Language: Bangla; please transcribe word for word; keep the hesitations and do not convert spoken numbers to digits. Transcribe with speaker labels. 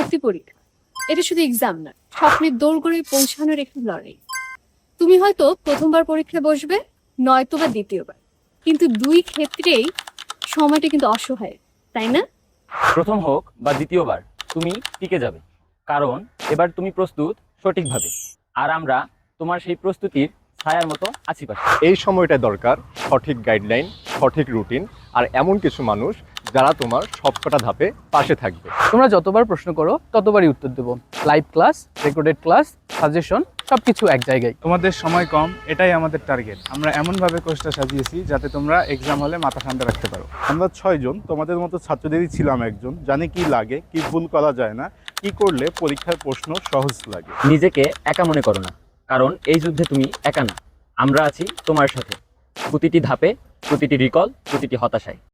Speaker 1: ভর্তি পরীক্ষা এটা শুধু এক্সাম না, স্বপ্নের দৌড় গড়ে পৌঁছানোর একটি লড়াই। তুমি হয়তো প্রথমবার পরীক্ষায় বসবে, নয়তো বা দ্বিতীয়বার, কিন্তু দুই ক্ষেত্রেই সময়টা কিন্তু অসহায়, তাই না?
Speaker 2: প্রথম হোক বা দ্বিতীয়বার, তুমি টিকে যাবে, কারণ এবার তুমি প্রস্তুত সঠিকভাবে, আর আমরা তোমার সেই প্রস্তুতির ছায়ার মতো আছি পাশে।
Speaker 3: এই সময়টা দরকার সঠিক গাইডলাইন, সঠিক রুটিন আর এমন কিছু মানুষ যারা তোমার সবকটা ধাপে পাশে থাকবে।
Speaker 4: তোমরা যতবার প্রশ্ন করো ততবারই উত্তর দেবো। Live class, recorded class, suggestion সবকিছু এক জায়গায়।
Speaker 5: তোমাদের সময় কম, এটাই আমাদের টার্গেট। আমরা এমনভাবে কোর্সটা সাজিয়েছি যাতে তোমরা এক্সাম হলে মাথা ঠান্ডা রাখতে পারো।
Speaker 6: আমরা ছয়জন তোমাদের মতো ছাত্রদেরই ছিলাম একজন, জানি কি লাগে, কি ভুল করা যায় না, কি করলে পরীক্ষার প্রশ্ন সহজ লাগে।
Speaker 2: নিজেকে একা মনে করো না, কারণ এই যুদ্ধে তুমি একা না, আমরা আছি তোমার সাথে, প্রতিটি ধাপে, প্রতিটি রিকল, প্রতিটি হতাশায়।